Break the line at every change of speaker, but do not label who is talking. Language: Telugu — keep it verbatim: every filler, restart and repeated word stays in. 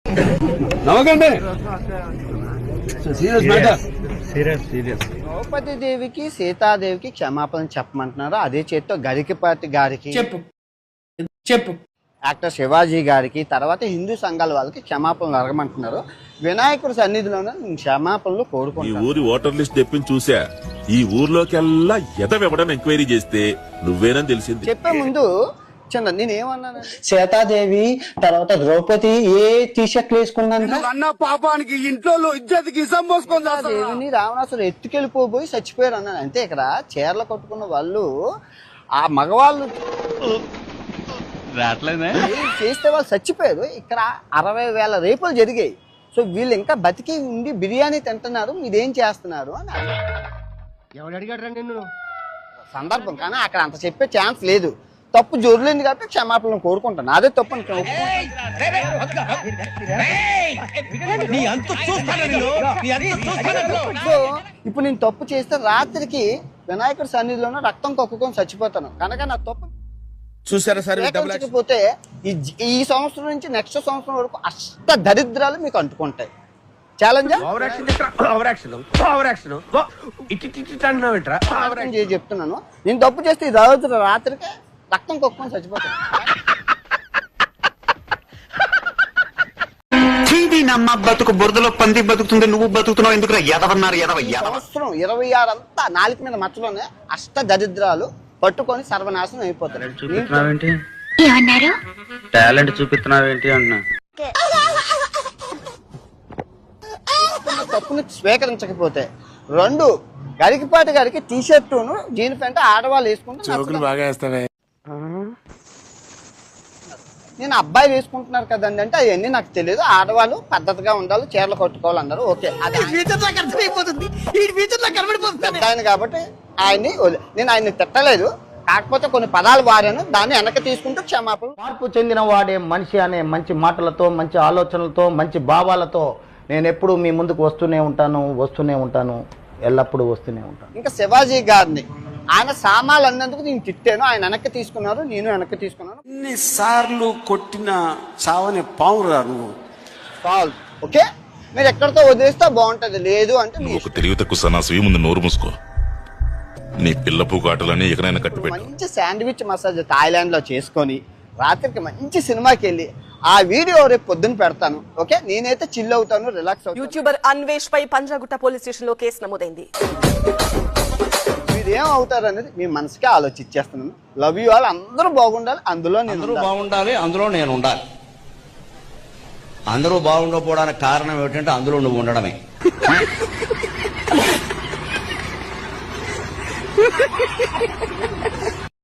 నవ్వకండి. Serious matter.
Serious serious
Draupadi దేవికి సీతాదేవికి క్షమాపణ చెప్పమంటున్నారు. అదే చేత్తో గరికపాటి గారికి
చెప్పు చెప్పు
యాక్టర్ శివాజీ గారికి తర్వాత హిందూ సంఘాల వాళ్ళకి క్షమాపణలు అడగమంటున్నారు. వినాయకుడి సన్నిధిలోనే క్షమాపణలు
ఈ
కోరుకుంటారు.
ఊరి ఓటర్ లిస్ట్ తెప్పించి చూసా. ఈ ఊర్లోకెల్లా ఎదవెవడని ఎంక్వైరీ చేస్తే నువ్వేనని తెలిసింది.
చెప్పే ముందు చిన్న నేనేమన్నాను,
సీతాదేవి తర్వాత ద్రౌపది ఏ టీషర్ట్ వేసుకున్నాను
అన్న పాపానికి ఇంట్లో ఇజ్జతికి ఇసం పోసుకొని
దేవిని రావణాసుడు ఎత్తుకెళ్ళిపోయి చచ్చిపోయారు అన్నాను. అంతే ఇక్కడ చీరలు కట్టుకున్న వాళ్ళు ఆ మగవాళ్ళు చేస్తే వాళ్ళు చచ్చిపోయారు. ఇక్కడ అరవై వేల రేపులు జరిగాయి. సో వీళ్ళు ఇంకా బతికి ఉండి బిర్యానీ తింటున్నారు, మీరేం చేస్తున్నారు అని
ఎవడు అడిగాడు నిన్ను?
సందర్భం. కానీ అక్కడ అంత చెప్పే ఛాన్స్ లేదు. తప్పు జోరులేంది కాబట్టి క్షమాపణలు కోరుకుంటాను. అదే తప్పు అనుకో. సో ఇప్పుడు నేను తప్పు చేస్తే రాత్రికి వినాయకుడి సన్నిధిలోనే రక్తం కక్కుకొని చచ్చిపోతాను. కనుక నా తప్పు
చూసారా సార్?
పోతే ఈ సంవత్సరం నుంచి నెక్స్ట్ సంవత్సరం వరకు అష్ట దరిద్రాలు మీకు అంటుకుంటాయి. ఛాలెంజ్ చెప్తున్నాను. నేను తప్పు చేస్తే ఈ రోజు రాత్రికి రక్తం కొక్కుని చచ్చిపోతాను.
నమ్మ బతుకు బురదలో పంది బతుకుతుంది, నువ్వు బతుకుతున్నావు ఎందుకు? ఎదవన్నారు ఎదవ
సంవత్సరం ఇరవై ఆరు అంతా నాలుగు మీద మచ్చలోనే అష్ట దరిద్రాలు పట్టుకొని సర్వనాశనం అయిపోతారు.
టాలెంట్ చూపిస్తున్నావేంటి అన్నా?
తప్పుని స్వీకరించకపోతే రెండు గరికపాటి గారికి టీ షర్టును జీన్ ప్యాంట్ ఆడవాళ్ళు వేసుకుంటే
బాగా వేస్తావే.
నేను అబ్బాయి వేసుకుంటున్నారు కదండి అంటే అవన్నీ నాకు తెలియదు. ఆడవాళ్ళు పద్ధతిగా ఉండాలి, చీరలు కట్టుకోవాలి అన్నారు. ఓకే, అది పెద్ద ఆయన కాబట్టి ఆయన్ని నేను ఆయన్ని తిట్టలేదు. కాకపోతే కొన్ని పదాలు వారాను, దాన్ని వెనక్కి తీసుకుంటూ క్షమాపణ.
మార్పు చెందిన వాడే మనిషి అనే మంచి మాటలతో, మంచి ఆలోచనలతో, మంచి భావాలతో నేను ఎప్పుడు మీ ముందుకు వస్తూనే ఉంటాను వస్తూనే ఉంటాను ఎల్లప్పుడూ వస్తూనే ఉంటాను.
ఇంకా శివాజీ గారిని ఆయన సామాన్లు అన్నందుకు నేను తిట్టాను, ఆయన వెనక్కి తీసుకున్నారు, నేను వెనక్కి తీసుకున్నాను.
ఎన్నిసార్లు కొట్టిన చావని పావురా నువ్వు.
కాల్ ఓకే, మీరు ఎక్కడితో వదిలేస్తే బాగుంటది. లేదు అంటే
ఒక తెలివి తక్కువ సన్నాసి ముందు నోరు మూసుకో. నీ పిల్ల పూకాటలని ఎక్కడైనా కట్టిపెట్టు.
మంచి శాండ్విచ్ మసాజ్ థాయిలాండ్ లో చేసుకొని రాత్రికి మంచి సినిమాకి వెళ్ళి ఆ వీడియో రేపు పొద్దున్న పెడతాను. ఓకే, నేనైతే చిల్ అవుతాను, రిలాక్స్ అవుతాను.
యూట్యూబర్ అన్వేష్ పై పంజాగుట్ట పోలీస్ స్టేషన్ లో కేసు నమోదైంది.
మీరేం అవుతారు అనేది మీ మనసుకే ఆలోచించేస్తున్నాను. Love you all. అందరూ బాగుండాలి, అందులో నేను
బాగుండాలి, అందులో నేను ఉండాలి. అందరూ బాగుండకపోవడానికి కారణం ఏమిటంటే అందులో నువ్వు ఉండడమే.